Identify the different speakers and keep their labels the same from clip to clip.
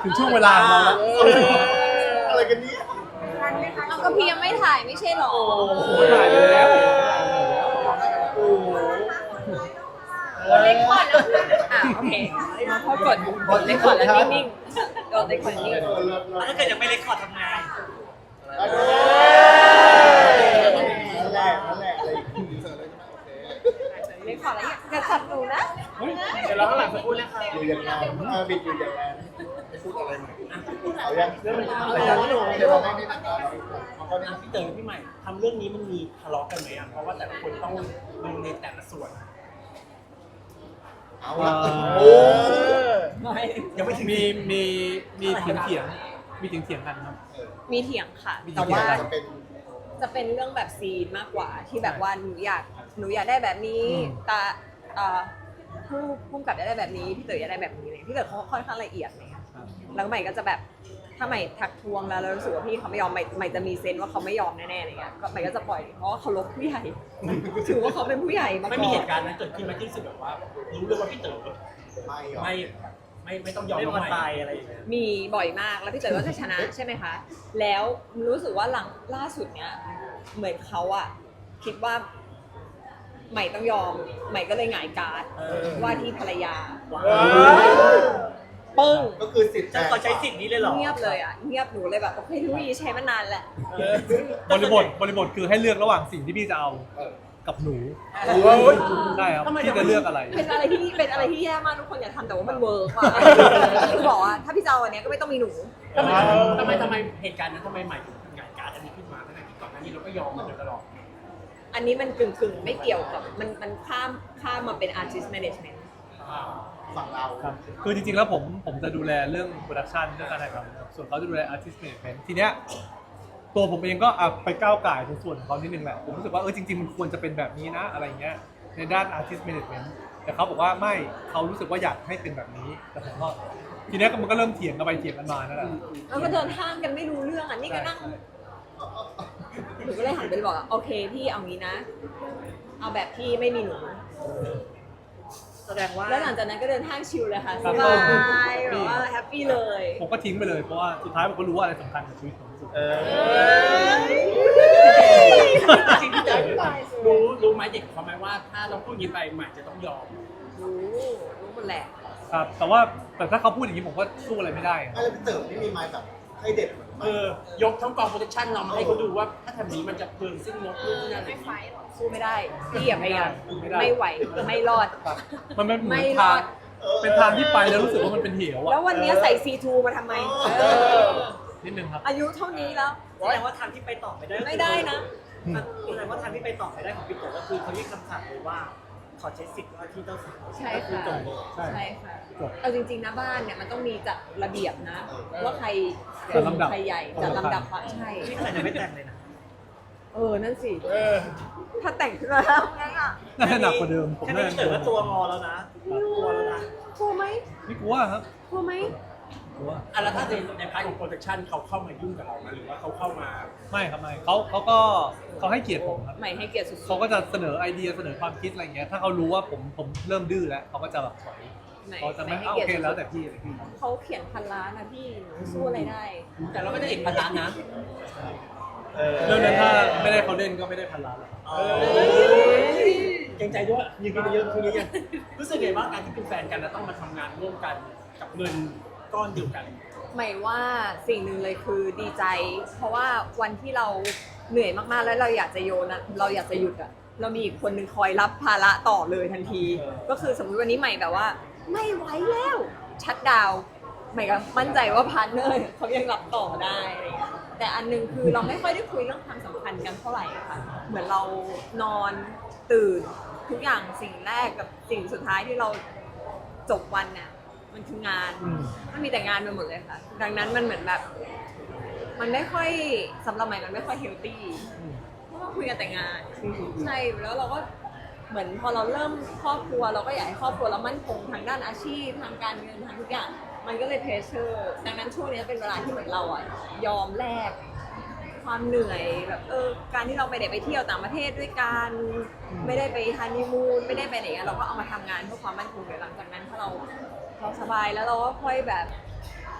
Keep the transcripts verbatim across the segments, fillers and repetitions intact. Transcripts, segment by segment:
Speaker 1: ถึงช่วงเวลาของเราแล้ว
Speaker 2: อะไรกันเนี่ย
Speaker 3: เอาก็พี่ยังไม่ถ่ายไม่ใช่หรอ
Speaker 1: ถ่ายไปแล้ว
Speaker 3: เล็กก่อนแล้วอ่ะโอเคมาพอกดเล็กก่อนแล้วนิ่งๆกดเล็กก่อนนิ่ง
Speaker 4: ถ้าเกิดยังไม่เล็กขอทำงาน
Speaker 2: นั่นแหละนั่นแหละอะไรอย่างงี้
Speaker 3: เล็กก่อนแล้วอย่าขัดหนูนะ
Speaker 4: เดี๋ยวเราข้างหลังจะพูดเลยค่ะ
Speaker 2: อยู่อย่างนั้นเออบิดอยู่อย่างนั้นพูดอะไรใหม่เอายัง
Speaker 4: เรื่องมัน
Speaker 2: เอา
Speaker 4: อะไร
Speaker 2: ยัง
Speaker 4: ที่หนู
Speaker 2: เดี๋ยวเราไม่ได้ตัดต่อเอาเขาเนี่ย
Speaker 4: พี่เต๋อพี่ใหม่ทำเรื่องนี้มันมีทะเลาะกันไหมอ่ะเพราะว่าแต่ละคนต้องลงในแต่ละส่วน
Speaker 2: เอาละ
Speaker 1: โอ้
Speaker 4: ไม่ยังไม่ถึง
Speaker 1: มีมีมีเถียงเถียงมีเถียงเถียงกันครับ
Speaker 3: มีเถียงค่ะ
Speaker 1: มีเถี
Speaker 3: แต่
Speaker 1: ยง
Speaker 3: ว่า
Speaker 2: จะเป็น
Speaker 3: จะเป็นเรื่องแบบซีนมากกว่าที่แบบว่าหนูอยากหนูอยากได้แบบนี้ตาเอ่อผู้ผู้กำกับอยากได้แบบนี้พี่เต๋ออยากได้แบบนี้เลยพี่เต๋อเขาค่อนข้างละเอียดเลยค่ะแล้วใหม่ก็จะแบบถ้าใหม่ทักทวงแล้วแล้วรู้สึกว่าพี่เขาไม่ยอมใหม่ใหม่จะมีเซนส์ว่าเขาไม่ยอมแน่ๆอะไรเงี้ยก็ใหม่ก็จะปล่อยเพราะว่าเขาลบผู้ใหญ่ถือว่าเขาเป็นผู้ใหญ่มาก่อน
Speaker 4: ไม่มีเหตุการณ์นั้นเกิดขึ้นไหมที่รู้สึกแบบว่ารู้เลยว่าพี่เต๋อ
Speaker 2: ไม่หรอ
Speaker 4: ไม่ไม่ไม่ต้องยอมน้องใหม่อะไรอย่างเงี้ย
Speaker 3: มีบ่อยมากแล้วพี่เต๋อก็จะชนะใช่ไหมคะแล้วรู้สึกว่าหลังล่าสุดเนี้ยเหมือนเขาอะคิดว่าใหม่ต้องยอมใหม่ก็เลยหงายการ์ดว่าที่ภรรยาปึ้ง
Speaker 2: ก็คือสิทธิ์
Speaker 4: จะขอใช้สิทธิ์นี้เลยเหรอ
Speaker 3: เงียบเลยอ่ะเงียบหนูเลยแบบโอเคทุกทีใช้มานานแหละ
Speaker 1: บริบทบริบทคือให้เลือกระหว่างสิ่งที่พี่จะเอากับหนูได้ครับพี่จะเลือกอะไร
Speaker 3: เป็นอะไรที่เป็นอะไรที่แย่มากทุกคนอย่าทำแต่ว่ามันเวิร์กว่ะคือบอกว่าถ้าพี่จะเอาอันเนี้ยก็ไม่ต้องมีหนู
Speaker 4: ทำไมทำไมทำไมเหตุการณ์นั้นทำไมใหม่ถึงหงายการ์ดอันนี้ขึ้นมาทั้งที่ก่อนหน้านี้เราก็ยอมมาโดยตลอด
Speaker 3: อันนี้มันกึ่งกึ่งๆไม่เกี่ยวกับมันมันข้ามข้ามมาเป็น artist management
Speaker 2: ฝั่งเรา
Speaker 1: ครับคือจริงๆแล้วผมผมจะดูแลเรื่องโปรดักชันเรื่องการถ่ายทำครับส่วนเขาจะดูแลอาร์ติสต์แมเนจเมนต์ทีเนี้ยตัวผมเองก็อ่ะไปก้าวไก่ในส่วนของเขานิดนึงแหละผมรู้สึกว่าเออจริงๆมันควรจะเป็นแบบนี้นะอะไรเงี้ยในด้านอาร์ติสต์แมเนจเมนต์แต่เขาบอกว่าไม่เขารู้สึกว่าอยากให้เป็นแบบนี้แต่ผมก็ทีเนี้ยมันก็เริ่มเถียงกันไปเถียงกันมานั่นแหละ
Speaker 3: แล้วก็เดินห้างกันไม่รู้เรื่องอ่ะนี่ก็นั่งหนูก็เลยหันไปบอกว่าโอเคพี่เอางี้นะ เอาแบบที่ไม่มีหนู
Speaker 4: แสดงว่า
Speaker 3: แล้วหลังจากนั้นก็เดินห้างชิลเลยค่ะ
Speaker 1: ครั
Speaker 3: ส
Speaker 1: บ
Speaker 3: บายแบบว่าแฮปปี้เลย
Speaker 1: ผมก็ทิ้งไปเลยเพราะว่าสุดท้ายผมก็รู้ว่าอะไรสำคัญกับชีวิตผมที่สุด
Speaker 2: เออ
Speaker 4: จริงพี่เต๋อรู้รู้ไหมเด็กเขาไหมว่าถ้าเราพูดอย่างนี้ไปใหม่จะต้องยอม
Speaker 3: รู้รู้หมดแหละ
Speaker 1: ครับแต่ว่าแต่ถ้าเขาพูดอย่างนี้ผมก็สู้อะไรไม่ได้อะ
Speaker 2: ไม่แล้วพี่เต๋อไม่มีไม้แบบให้เด็ดเหมือน
Speaker 4: เออยกทั้งกองโปรดักชั่นเรามาให้เขาดูว่าถ้าทำนี้มันจะเปลืองสิ้นงบนู่นนี่นั่นอะไรอย่างเงี้ย
Speaker 3: สู้ไม่ได้พี่อย่าพยายาม
Speaker 1: ไม่ได้
Speaker 3: ไม่ไหวไม่รอด
Speaker 1: ครับมันเป็นเหมื
Speaker 3: ไม่
Speaker 1: อน
Speaker 3: ร
Speaker 1: ทา
Speaker 3: อง ด
Speaker 1: เป็นทางที่ไปแล้วรู้สึกว่ามันเป็นเหว
Speaker 3: แล้ว
Speaker 1: อะ
Speaker 3: วันนี้ใส่ ซี ทู มาทำไมเออ
Speaker 1: นิดนึงครับ
Speaker 3: อายุเท่านี้แล้ว
Speaker 5: แสดงว่าทางที่ไปต่อไม่ได้
Speaker 3: ไม่ได้นะ
Speaker 5: แสดงว่าทางที่ไปต่อไม่ได้ของพี่โตก็คือเขายื่นคำสั่งเลยว่าขอใช้สิทธิ์ว่าที่เจ้าสาว
Speaker 3: ใช่
Speaker 5: ก็คือ
Speaker 3: ค่ะ
Speaker 5: จบเลย
Speaker 1: ใช่
Speaker 3: ใช่ค่ะ
Speaker 1: จบ
Speaker 3: เอาจริงๆนะบ้านเนี่ยมันต้องมีจัดระเบียบนะ ว่าใคร
Speaker 1: จัดลำดับ
Speaker 3: ใครใหญ่จัดลำดับความใช่
Speaker 5: นี่ขนาดยังไม่แต่งเลยนะ
Speaker 3: เออ นั่นสิ ถ้าแต่งขึ้นมาแล้วไงอ่ะ
Speaker 1: น่าจะหนักกว่าเดิมผม
Speaker 5: แค่
Speaker 1: น่า
Speaker 5: นี้
Speaker 1: จะ
Speaker 5: พี่เต๋อก็ตัวงอแล้วนะตัวแล้วนะ
Speaker 3: กลัวไหม
Speaker 1: ไม่กลัวครับ
Speaker 3: กลัวไหม
Speaker 1: กลัว
Speaker 4: อ่ะแล้วถ้าในในพาร์ทของโปรดักชั่นเขาเข้ามายุ่งกับเราไหมหรือว่าเขาเข้ามา
Speaker 1: ไม่ครับไม่เขาเขาก็เขาให้เกียรติผมครับ
Speaker 3: ใหม่ให้เกียรติสุดๆ
Speaker 1: เขาก็จะเสนอไอเดียเสนอความคิดอะไรเงี้ยถ้าเขารู้ว่าผมผมเริ่มดื้อแล้วเขาก็จะแบบถอย
Speaker 3: ใหม่
Speaker 1: เขาจะไม่
Speaker 3: ให้
Speaker 1: เอาโอ
Speaker 3: เกียรติ
Speaker 1: เค
Speaker 3: สุดๆ
Speaker 1: แล้วแต่พี่เลยพี่
Speaker 3: เขาเขียนพันล้านนะพี่หนูสู้อะไรได้
Speaker 4: แต่เราไม่ได้เอกพันล้านนะ
Speaker 1: เรื่องนั้นถ้าไม่ได้เขาเล่นก็ไม่ได้พันล้านหรอกครับ
Speaker 4: เกรงใจด้วยยืนกันเยอะคือยังรู้สึกไงบ้างการที่เป็นแฟนกันแล้วต้องมาทำงานร่วมกันกับเงินก้อนเดียวกัน
Speaker 3: หมายว่าสิ่งหนึ่งเลยคือดีใจ เพราะว่าวันที่เราเหนื่อยมากๆแล้วเราอยากจะโยนอะเราอยากจะหยุดอะเรามีอีกคนหนึ่งคอยรับภาระต่อเลยทันที ก็คือสมมติวันนี้ใหม่แบบว่า ไม่ไหวแล้วชัดดาวน์ใหม่ก็มั่นใจว่าพาร์ทเนอร์เขายังรับต่อได้อะไรอย่างเงี้ยแต่อันหนึงคือเราไม่ค่อยได้คุยเรื่องความสัมพันธ์กันเท่าไหร่อะค่ะเหมือนเรานอนตื่นทุกอย่างสิ่งแรกกับสิ่งสุดท้ายที่เราจบวันเนี่ยมันคืองาน
Speaker 1: อืม
Speaker 3: มันมีแต่งานไปหมดเลยค่ะ ดังนั้นมันเหมือนแบบ มันไม่ค่อยสำหรับใหม่มันไม่ค่อยเฮลตี้
Speaker 1: อืม
Speaker 3: เพราะว่าคุยกันแต่งาน ใช่ แล้วเราก็เหมือนพอเราเริ่มครอบครัวเราก็อยากให้ครอบครัวเรามั่นคงทางด้านอาชีพทางการเงินทางทุกอย่าง มันก็เลยเพรสเชอร์ ดังนั้นช่วงนี้เป็นเวลาที่เหมือนเราอ่ะยอมแลกความเหนื่อยแบบเออการที่เราไปได้ไปเที่ยวต่างประเทศด้วยกันไม่ได้ไปฮันนีมูนไม่ได้ไปไหนอะเราก็เอามาทำงานเพื่อความมั่นคงเดี๋ยวหลังจากนั้นถ้าเราเราสบายแล้วเราก็ค่อยแบบ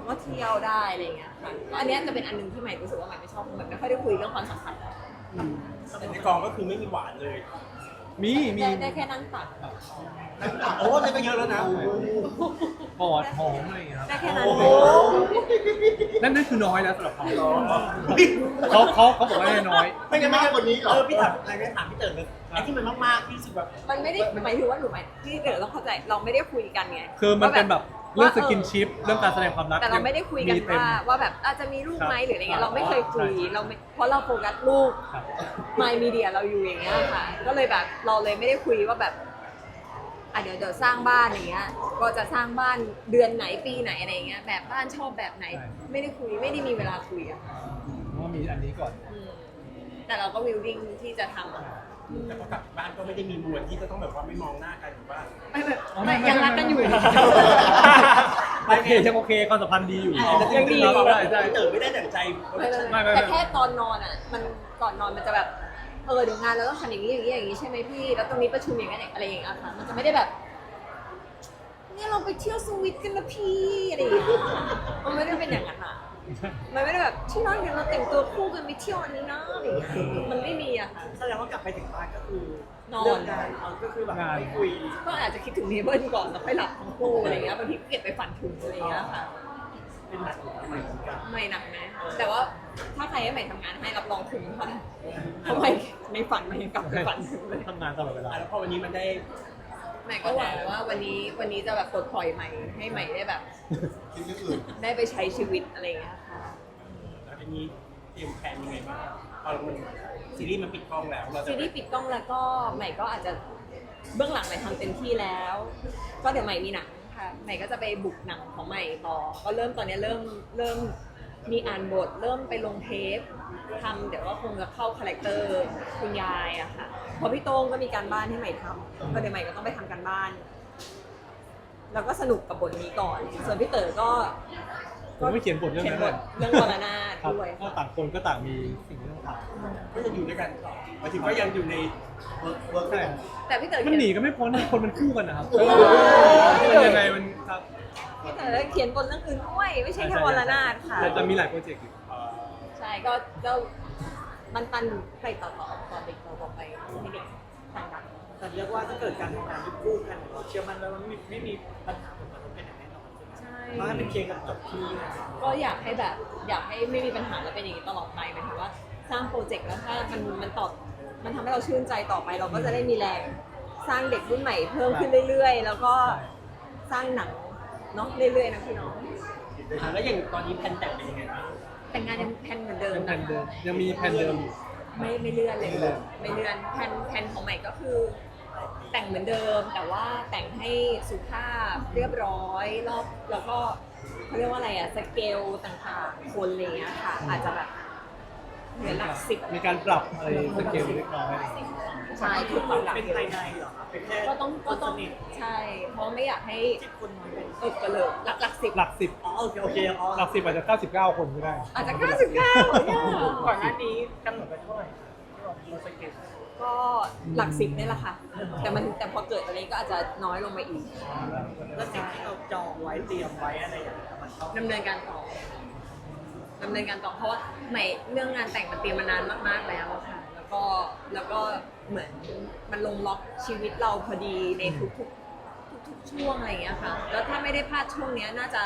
Speaker 3: ก็เที่ยวได้อะไรอย่างเงี้ยค่ะก็อันเนี้ยจะเป็นอันหนึงที่ใหม่รู้สึกว่าใหม่ไม่ชอบเหมือนไม่ค่อยได้คุยเรื่องความสัมพันธ์
Speaker 4: แต่ในกองก็คือไม่มีหวานเลย
Speaker 1: มีมี
Speaker 3: ได้ได้แค่นั่งตัก
Speaker 4: โอ้นี่ก็เยอะแล้วนะ
Speaker 1: กอดหอมอะไรอย่างเงี้ยครับ
Speaker 3: ได้แค่นั้น
Speaker 4: โอ้โห
Speaker 1: นั่นนั่นคือน้อยแล้วสำหรับเขาเขาเขาเขาบอกว่าน้อย
Speaker 2: ไม่งั้นไม่ให้คนนี้หรอ
Speaker 4: เออพี่ถามอะไรไม่ถามพี่เต๋อเลยไอ้ที่มันมากๆที่รู้สึกแบบ
Speaker 3: มันไม่ได้หมายถึงว่าหนูหมายที่เดี๋ยวต้องเข้าใจเราไม่ได้คุยกันไง
Speaker 1: คือมันเป็นแบบเรื่อง
Speaker 3: ว่า
Speaker 1: สกินชิปเรื่องการแสดงความรัก
Speaker 3: แต่เราไม่ได้คุยกัน
Speaker 1: เต็ม
Speaker 3: ว่าว่าแบบอาจจะมีลูกไหม
Speaker 1: ครับ
Speaker 3: หรืออะไรเงี้ยเราไม่เคยคุย
Speaker 1: ใช่
Speaker 3: เราไม่เพราะเราโฟกัสลูก
Speaker 1: ครับ
Speaker 3: มายมีเดียเราอยู่อย่างเงี้ยค่ะ ก็เลยแบบเราเลยไม่ได้คุยว่าแบบอ่ะเดี๋ยวเดี๋ยวสร้างบ้านอย่างเงี้ย ก็จะสร้างบ้านเดือนไหนปีไหนอะไรเงี้ยแบบบ้านชอบแบบไหน ไม่ได้คุยไม่ได้มีเวลาคุยอะค่ะ
Speaker 1: เพราะว่ามีอันนี้ก่อน
Speaker 3: อืมแต่เราก็วิลดิ้งที่จะทำอะ
Speaker 4: แต่พอกลับบ้านก็ไม่ได้มีมวลที่จะต้องแบบว่าไม่มองหน้ากันหรือว่า
Speaker 3: ไม่แบบ
Speaker 1: อ๋อไม่
Speaker 3: ไม่ยังรักกันอยู่
Speaker 1: โอเคยังโอเคความสัมพันธ์ดีอยู่
Speaker 3: ยังดี
Speaker 1: ครับได้ได้
Speaker 4: พี่เต๋อไม่ได้ดั่งใจ
Speaker 3: ไม่ไม่
Speaker 1: ไม่ไม่
Speaker 3: แต่แค่ตอนนอนอ่ะ มันก่อนนอนมันจะแบบเออเดี๋ยวงานเราต้องทำอย่างนี้อย่างนี้อย่างนี้ใช่ไหมพี่ แล้วตรงนี้ประชุมอย่างนี้อะไรอย่างเงี้ยค่ะ มันจะไม่ได้แบบเนี่ยเราไปเที่ยวสวิตกันนะพี่อะไรอย่างเงี้ยมันไม่ได้เป็นอย่างนั้นอ่ะมันไม่ได้แบบที่นั่นเดี๋ยวเราแต่งตัวคู่กันไปเที่ยวอันนี้นะอะไรอย่างเงี้ยมันไม่มีอะค่ะ
Speaker 5: แสดงว่ากลับไปถึงบ้านก็คือน
Speaker 3: อน
Speaker 5: เรื่องงานเอาก็คือแบบไม่คุย
Speaker 3: ก็อาจจะคิดถึงเนเบิลก่อนแล้วค่อยหลับทั้งคู่อะไรอย่างเงี้ยบางทีก็เก็บไปฝันถึงอะไรอย่างเงี้ยค่ะ
Speaker 5: เป็นหนักอยู่ทำไมถึงกัน
Speaker 3: ไม่หนักนะแต่ว่าถ้าใครให้ใหม่ทำงานให้รับรองคุ้มค่ะทำไมในฝันใหม่ยังกลับไปฝันถึงเลย
Speaker 1: ทำงานตลอดเวลา
Speaker 4: แล้วพอวันนี้มันได้
Speaker 3: ใหม่ก็หวังว่าวันนี้วันนี้จะแบบปลดปล่อยใหม่ให้ใหม่ได้แบบ
Speaker 2: คิดเรื่องอื่น
Speaker 3: ได้ไปใช้ชีวิตอะไรอย่างเงี้ยค่ะ
Speaker 4: แล้วทีนี้เตรียมแผนยังไงบ้างพอมันซีรีส์มันปิดกล้องแล้วเราจะ
Speaker 3: ซีรีส์ปิดกล้องแล้วก็ใหม่ก็อาจจะเบื้องหลังใหม่ทำเต็มที่แล้ว ก็เดี๋ยวใหม่มีหนังค่ะใหม่ก็จะไปบุกหนังของใหม่ต่อก็เริ่มตอนนี้เริ่มเริ่มมีอ่านบท เริ่มไปลงเทปทำเดี๋ยวว่าคงจะเข้าคาแรคเตอร์คุณยายอะค่ะเพราะพี่โต้งก็มีการบ้านให้ใหม่ทำก็เดี๋ยวใหม่ก็ต้องไปทำการบ้าน แล้วก็สนุกกับบทนี้ก่อน ส่วนพี่เต๋อก็
Speaker 1: ผมไม่เขียนบทเรื่อง
Speaker 3: เขียน
Speaker 1: นั้น
Speaker 3: บ
Speaker 1: เล
Speaker 3: ท
Speaker 1: ย
Speaker 3: เรื่องวรนาถ
Speaker 1: ครับ
Speaker 3: ด้วย
Speaker 1: ก็ต่างคนก็ต่างมีสิ่งที่ต้องท
Speaker 4: ก็ยังอยู่ด้วยกันต่อหมายถึงว่ายังอยู่ใน
Speaker 2: เวิร์กเวิร์ก
Speaker 1: ำใช่
Speaker 3: แต่พี่เต๋อ
Speaker 1: มัน
Speaker 3: เขียน
Speaker 1: หนีก็ไม่พ้นคนมันคู่กันนะครับ
Speaker 2: โอ้โห
Speaker 1: มันยังไงมันครับ
Speaker 3: พี่เต๋อเขียนบทเรื่องอื่นด้วยไม่ใช่แค่วรนาถค่ะ
Speaker 1: แต่จะมีหลายโปรเจกต์อยู่
Speaker 3: ใช่ก็ก็มันปันไปต่อต่อต่อเด็กต่อต่อไปให้เด็กทำกัน
Speaker 5: แต่เรียกว่าถ้าเกิดการทำงานที่คู่กันเราเชื่อมั่นเลยว่าไม่ไม่มีปัญหาผลกระทบกันอย่างแน่นอนใช่ไหม
Speaker 3: ใช่
Speaker 5: เพราะให้เป็นเคลียร์กันจบที่
Speaker 3: ก็อยากให้แบบอยากให้ไม่มีปัญหาแล้วเป็นอย่างนี้ตลอดไปหมายถึงว่าสร้างโปรเจกต์แล้วถ้ามันมันตอบมันทำให้เราชื่นใจต่อไป เราก็จะได้มีแรงสร้างเด็กรุ่นใหม่เพิ่มขึ้นเรื่อยๆ แล้วก็สร้างหนังเนาะเรื่อยๆนะพี่น้อง
Speaker 4: อ่ะแล้วอย่างตอนนี้แผนแต่งเป็นยังไงบ้าง
Speaker 3: แต่งงานยังแพลนเหมือนเดิม
Speaker 1: ยังแผ
Speaker 3: นะ
Speaker 1: นเดิ
Speaker 3: คะ
Speaker 1: มยังมีแผนเดิมอยู่
Speaker 3: ไม่ไม่เลื่อนเลย
Speaker 1: ไม่เลื่อน
Speaker 3: ไม่เลื่อนแผนแผนของใหม่ก็คือ แต่งเหมือนเดิม แต่ว่าแต่งให้สุภาพเรียบร้อยรอบแล้วก็เขาเรียกว่าอะไรอะสเกลต่างๆคนอะไรอย่างเงี้ยค่ะ อาจจะแบบเหลือหลักสิบ
Speaker 1: มีการปรับอะไรสเกลเล็กน้อยอะไรอย่างเงี้ย
Speaker 3: ใช่คือปรับหลัก
Speaker 5: เป็นภายในเหรอครับเป็นแค่
Speaker 3: ก็ต้องก็ต้อง
Speaker 5: สนิท
Speaker 3: ใช่ เพราะไม่อยากให้
Speaker 5: ที่คนน้อยเป็น
Speaker 3: เออก็เลยหลักหลักสิบ
Speaker 1: หลักสิบ
Speaker 5: อ๋อโอเคโอเคอ๋อ
Speaker 1: หลักสิบอาจจะเก้าสิบเก้าคนก็ได้
Speaker 3: อาจจะเก้าสิบเก้า
Speaker 5: ก่อนหน้านี้กำหนดไปเท่าไหร่ที่บอกเราสเก็ต
Speaker 3: ก็หลักสิบนี่แหละค่ะ แต่มันแต่พอเกิดอะไรก็อาจจะน้อยลงมาอีก
Speaker 5: แล้วสิ่งที่เราจองไว้เตรียมไว้อะไรอย่างเงี้ยมันต้อง
Speaker 3: ดำเนินการต่อดำเนินการต่อเพราะว่าใหม่เรื่องงานแต่งมันเตรียมมานานมากๆแล้วอะค่ะ แล้วก็แล้วก็เหมือนมันลงล็อกชีวิตเราพอดีในทุกๆทุกๆช่วงอะไรอย่างเงี้ยค่ะ แล้วถ้าไม่ได้พลาดช่วงเนี้ยน่าจะ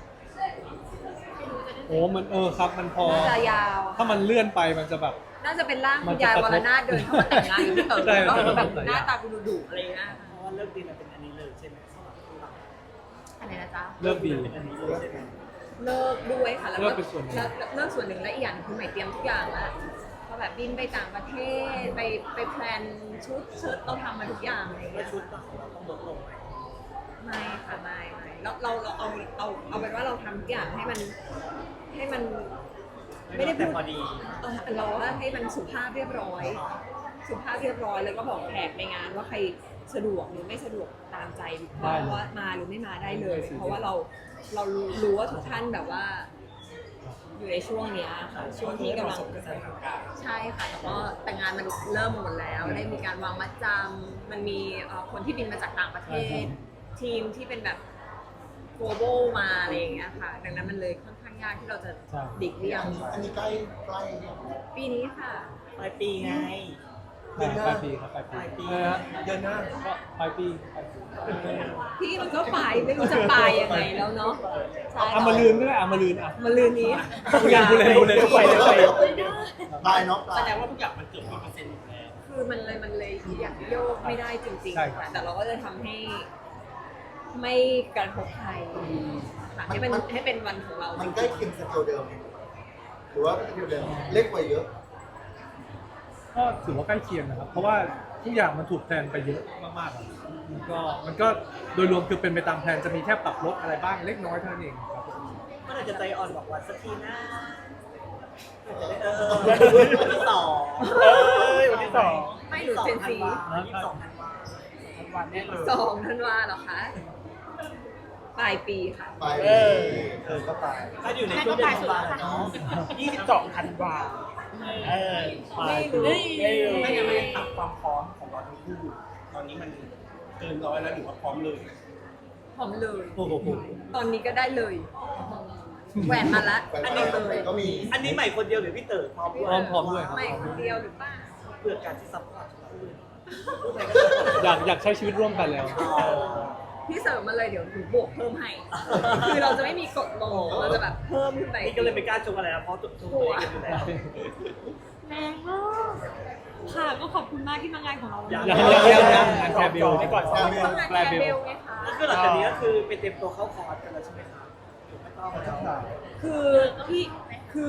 Speaker 1: โอ้มันเออครับมันพอ
Speaker 3: น่าจะยาว
Speaker 1: ถ้ามันเลื่อนไปมันจะแบบ
Speaker 3: น่าจะเป็นร่าง
Speaker 1: มั
Speaker 3: คุ
Speaker 1: น
Speaker 3: ณ
Speaker 1: จะ
Speaker 3: ยาย
Speaker 1: กระทบ
Speaker 3: วรนาถเดินเข้ามาแต่งงานกับพี่เต๋อ
Speaker 1: ใช่
Speaker 3: แล้ว
Speaker 1: มันจะ
Speaker 3: แบบ
Speaker 1: กระทบ
Speaker 3: หน้าตาดุดุๆอะไรอย่างเงี้ย
Speaker 5: เพราะว่าเลิกดีมันเป็นอันนี้เลยใช่ไหมสำหรับคู่เรา
Speaker 3: อะไรนะจ๊ะ
Speaker 1: เริ่มดี
Speaker 5: เป็นอันนี้เลยใช่ไหม
Speaker 3: เลิกด้วยค่ะ แล้ว
Speaker 1: เลิ
Speaker 3: ก็
Speaker 1: กเป็นส่วนหนึ่ง
Speaker 3: แล้วเลิกส่วนหนึ่งและอีกอย่างหนึงคือใหม่เตรียมทุกอย่างแล้วก็แบบบินไปต่างประเทศไปไปแพลนชุดเชิ้ตเราทำมาทุกอย่างอะไรอย่าง
Speaker 5: แล้
Speaker 3: เงี้
Speaker 5: วย ชุดของเราต้องลดลงไหม
Speaker 3: ไม่ค่ะไม่ไม่เราเราเราเอาเอาเอาเป็นว่าเราทำทุกอย่างให้มันให้มันไม่ได้
Speaker 5: แต่
Speaker 3: พูด
Speaker 5: พอดี
Speaker 3: เออเราว่าให้มันสุภาพเรียบร้อย สุภาพเรียบร้อยแล้วก็บอกแขกในงานว่าใครสะดวกหรือไม่สะดวกตามใจว่าว่ามาหรือไม่มาได้เลย เพราะว่าเราเรารู้รู้ว่าทุกท่านแบบว่า อยู่ในช่วงเนี้ยค่ะช่วงที่กำลังใช่ค่ะแต่ว่าแต่งานมันเริ่มหมดแล้ว ได้มีการวางมัดจำมันมีเอ่อคนที่บินมาจากต่างประเทศ ทีมที่เป็นแบบ global มาอะไรอย่างเงี้ยค่ะ ดังนั้นมันเลยค่อนข้างยากที่เราจะ
Speaker 1: ใช่
Speaker 3: ดิกเลี่ยง
Speaker 2: อันนี้ใกล้ใกล้
Speaker 3: ปีนี้ค่ะ
Speaker 5: ปลายปีไง
Speaker 1: ปลายปลายปีครับปลายปี
Speaker 5: ปลายปี
Speaker 1: เออ
Speaker 4: เดือนหน้า
Speaker 1: ก็ปลายปีปลายปี
Speaker 3: พี่มันก็ปลายไม่รู้จะปลายยังไงแล้วเนาะใช่
Speaker 1: อ่ะมาลืนก็ได้อ่ะมาลืนอ่ะ
Speaker 3: มาลืนนี้
Speaker 1: พูดเล่นพูดเล่นพูดเล่นไปเลยไปเลย
Speaker 2: ปลายเนาะปลา
Speaker 4: แส
Speaker 2: ย
Speaker 4: ดงว่าทุกอย่างมันเกือบร้อยเปอร์เซ็นต์อยู่แล้ว
Speaker 3: คือมันเลยมันเลยอยากโยกไม่ได้จริง
Speaker 1: ใช่
Speaker 3: ๆ
Speaker 1: ครับ
Speaker 3: ค่ะ แต่เราก็จะทำให้ ไม่กระทบใครค่ะให้มันให้เป็นวันของเรา
Speaker 2: มันใกล้เคียงสเกลเดิมไหมหรือว่าสเกลเดิมเล็กกว่าเยอะ
Speaker 1: ก็ถือว่าใกล้เคียงนะครับ เพราะว่าทุกอย่างมันถูกแพลนไปเยอะมากๆครับมันก็มันก็โดยรวมคือเป็นไปตามแพลนจะมีแค่ปรับลดอะไรบ้างเล็กน้อยเท่านั้นเองครับ
Speaker 5: เมื่อไหร่จะใจอ่อนบอกวันสักทีนะเออวันที่สอง
Speaker 4: เออวันที่สอง
Speaker 3: ไม่หนูเจนซี
Speaker 5: วันที่สองธันวา
Speaker 4: วันแน่เลย
Speaker 3: สองธันวาเหรอคะปลายปีค่ะ
Speaker 2: ปลาย
Speaker 4: เออ
Speaker 2: เออก็ปลาย
Speaker 5: ถ้าอยู่ในช่วงเดือนธันวาเนาะ
Speaker 4: ยี่สิบสองธันวาเออ
Speaker 3: ไม่รู้
Speaker 4: ไม่งั้นไม่ตัดความพร้อมของเราทั้งคู่ตอนนี้มันเกินร้อยแล้วหรือว่าพร้อมเลย
Speaker 3: พร้อมเลย
Speaker 4: โอ้โห
Speaker 3: ตอนนี้ก็ได้เลย แหวนมาละ
Speaker 2: แหวน
Speaker 3: อัน
Speaker 2: มา
Speaker 3: นี้
Speaker 2: ละ
Speaker 3: เลย
Speaker 2: ก็มี
Speaker 5: อันนี้ใหม่คนเดียวหรือพี่เต๋อพร้อมด้วย
Speaker 1: พร้อมพร้อมด้วยครับ
Speaker 3: ไม่คนเดียวหรือเปล่า
Speaker 5: เพื่อการที่ซัพพอร์ตเราด้วย
Speaker 1: อยากอยากใช้ชีวิตร่วมกันแล้ว
Speaker 3: พี่เสริมมาเลยเดี๋ยวหนูบวกเพิ่มให้ คือเราจะไม่มีกดลงเราจะแบบเพิ่มขึ้นไป
Speaker 5: นี่ก็เลยไม่กล้าชมอะไรนะเพราะตัวตัวเองอยู่แล้ว
Speaker 3: แรงมากค่ะก็ขอบคุณมากที่มางานของเราวันนี้
Speaker 1: ยังยังยังยังงานแคร์เบล
Speaker 4: ไปก่อน
Speaker 2: แคร์เบล
Speaker 3: ต้องงานแคร์เบลไงคะ
Speaker 5: ก็คือหลังจากนี้ก็คือไปเตรียมตัวเข้าคอร์สกันแล้วใช่ไหมครับหรือไม่ต้องแล้ว
Speaker 3: คือพี่คือ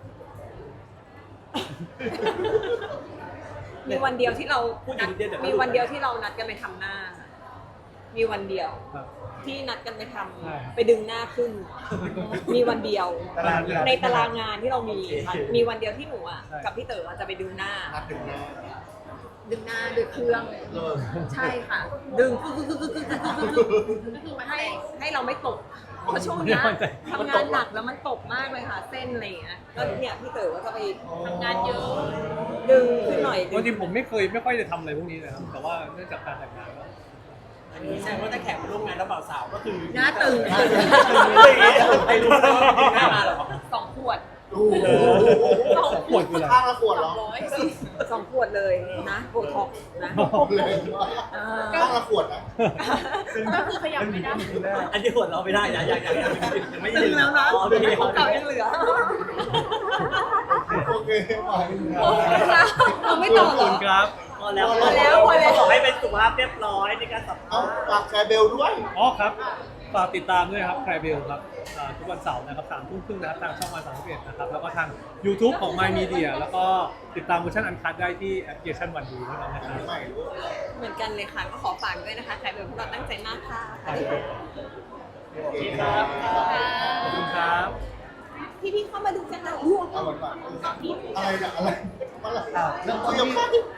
Speaker 3: มีวันเดียวที่เรานัดมีวันเดียวที่เรานัดกันไปทำหน้า มีวันเดียว
Speaker 1: ครับ
Speaker 3: ที่นัดกันไปทำ
Speaker 1: ใช่ครับ
Speaker 3: ไปดึงหน้าขึ้น มีวันเดียว
Speaker 2: ตารางงาน
Speaker 3: ในตารางงานที่เรามีค่ะมีวันเดียวที่หนูอ่ะ
Speaker 1: ใช่
Speaker 3: กับพี่เต๋ออะจะไปดึงหน้า
Speaker 2: นัดถึงหน้า
Speaker 3: ดึงหน้าด้วยเครื่อง
Speaker 2: เลิก
Speaker 3: ใช่ค่ะ ดึงกึกกึกกึกกึกกึกกึกกึกกึกก็คือให้ให้เราไม่ตก เพราะช่วงเนี้ยทำงานหนักแล้วมันตกมากเลยค่ะ เส้นอะไรอย่างเงี้ยก็เนี่ยพี่เต๋อก็จะไปทำงานเยอะ ดึงขึ้นหน่อยดึ
Speaker 1: จริงๆผมไม่เคยไม่ค่อยจะทำอะไรพวกนี้เลยครับ แต่ว่าเนื่องจากการแต่งงานแล้ว
Speaker 4: อันนี้แสดงว่าถ้าแขกมาร่วมงานแล้วบ่าวสาวก็คือ
Speaker 3: หน้าตึง
Speaker 4: ไปรู้ว่าหน้ามาเหรอ
Speaker 3: สองขวด
Speaker 2: โอ้โห
Speaker 3: สอง
Speaker 1: ขวดคืออะไร
Speaker 2: ข้างละขวดเหรอ
Speaker 3: สองขวดเลยนะโบท็อกซ์นะ
Speaker 2: เลยข้างละขวดนะ
Speaker 3: ก็คือขยับไม่ได้
Speaker 5: อันนี้หัวเราไม่ได้นะยังยังยังยังไม่
Speaker 3: ตึงแล้วนะ
Speaker 5: อ๋อไม่ได้
Speaker 3: ของเก่ายังเหลือ
Speaker 2: โอเคไป
Speaker 3: โอ้ยค่ะเราไม่ต่อ
Speaker 1: ขอบ
Speaker 3: เหร
Speaker 1: คุ
Speaker 3: อ
Speaker 1: ณครับ
Speaker 5: พอแล้ว
Speaker 3: พอแล้วพอแล้ว
Speaker 5: ขอให้เป็นสุภาพเรียบร้อยในการสัม
Speaker 2: เอา
Speaker 5: ภาษณ์
Speaker 2: ฝากแชร์เบลด้วย
Speaker 1: อ๋อครับ ฝากติดตามด้วยครับแคร์เบลครับอ่าทุกวันเสาร์นะครับสามทุ่มครึ่งนะครับทางช่องวันสามสิบเอ็ดนะครับ แล้วก็ทาง YouTube ของ My Media แล้วก็ติดตามเวอร์ชันอันคัดได้ที่แอปพลิเคชันวันดูเท่านั้นนะครับ
Speaker 2: ใหม่ด้วย
Speaker 3: เหมือนกันเลยค่ะ ก็ขอฝากด้วยนะคะใครเป็นพวกเราตั้งใจมากค่ะ
Speaker 2: โอเคครับ
Speaker 1: ขอบคุณครับ
Speaker 3: พี่พี่ๆเข้ามาดูกันนะร่วง
Speaker 2: เอาหมดปากอะไรนะอะไรอะไรเสียง